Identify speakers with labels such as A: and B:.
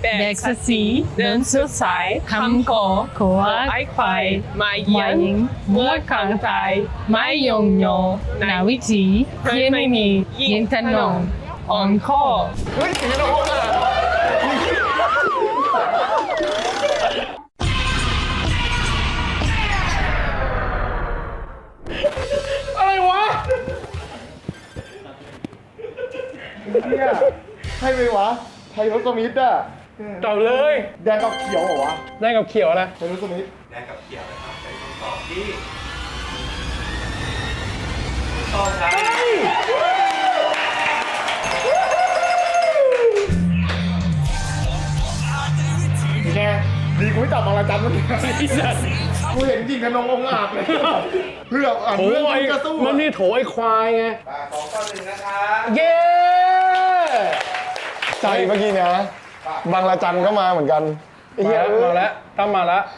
A: แบกสสีเดินสุดสายคำขอขอไอ้ควายมาเยียงเมื่อขังใจไม่ยงโยนาวิธีเพื่อนไม่มียินทนงอ่อนข้อ
B: เฮ้ยสีน้องอ่ะอะไรวะเนี่ยใช่ไหมวะไทยรสมิธอะ
C: ตอบเลย
B: แดงกับเขียวเหรอวะ
C: ได้กับเขียวนะ
B: ไทยรสมิธ
D: แดงกับเขียวนะครับเป็นคำตอบที่ถูกต้องครับ
B: แน่ดีกูไม่จับบางระจันเมื่อกี้กูเห็นจริงขนององค์อาจเลยเพื่ออ่าน
C: โถ
B: เรื่อง
C: ไอ้
B: กระสู้
C: มันมีโถไอ้ควายไง
D: 2-1นะครับ
C: เย้
E: ใจเมื่อกี้นะบางระจันก็มาเหมือนกันไอ้เหี้ย
C: มาแล้วตั้มมาแล้ว